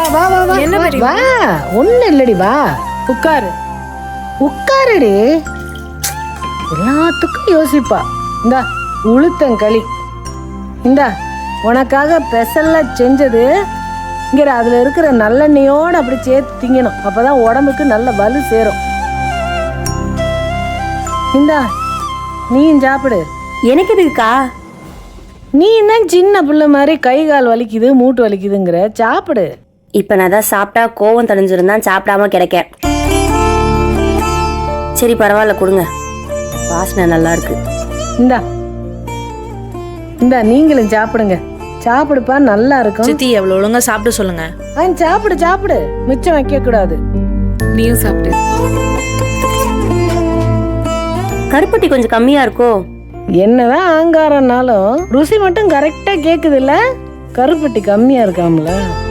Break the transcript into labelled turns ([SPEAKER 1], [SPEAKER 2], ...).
[SPEAKER 1] வா வா வா
[SPEAKER 2] என்ன
[SPEAKER 1] வா,
[SPEAKER 2] பெரியம்மா?
[SPEAKER 1] வா ஒண்ணு இல்லடி வா
[SPEAKER 2] உட்காரு.
[SPEAKER 1] உட்காருடி. எல்லாத்துக்கும் யோசிப்பா. இந்தா உளுத்தங்களி, இந்தா உனக்காக ஸ்பெஷலா செஞ்சது. இங்க அதுல இருக்கிற நல்லெண்ணெயோட அப்படி சேர்த்து திங்கணும். அப்பதான் உடம்புக்கு நல்ல வலு சேரும். இந்தா நீயும் சாப்பிடு.
[SPEAKER 3] எனக்கு எதுக்குக்கா?
[SPEAKER 1] நீ என்ன சின்ன பிள்ளை மாதிரி கை கால் வலிக்குது மூட்டு வலிக்குதுங்கிற, சாப்பிடு.
[SPEAKER 3] இப்ப நான் தான் சாப்பிட்டா கோவம் தணிஞ்சிருந்தா சாப்பிடாம கிடைக்க. சரி பரவாயில்ல, கொடுங்க. வாசனை நல்லா இருக்கு.
[SPEAKER 1] இந்தா இந்தா நீங்களும் சாப்பிடுங்க. சாப்பிடுப்பா, நல்லா இருக்கும்.
[SPEAKER 2] சித்தி எவ்வளவு ஒழுங்கா சாப்பிட சொல்லுங்க.
[SPEAKER 1] சாப்பிடு சாப்பிடு, மிச்சம் வைக்க கூடாது.
[SPEAKER 2] நீயும் சாப்பிடு.
[SPEAKER 3] கருப்பட்டி கொஞ்சம் கம்மியா இருக்கோ?
[SPEAKER 1] என்னதான் ஆங்காரம்னாலும் ருசி மட்டும் கரெக்டா கேக்குது இல்ல. கருப்பட்டி கம்மியா இருக்காமல.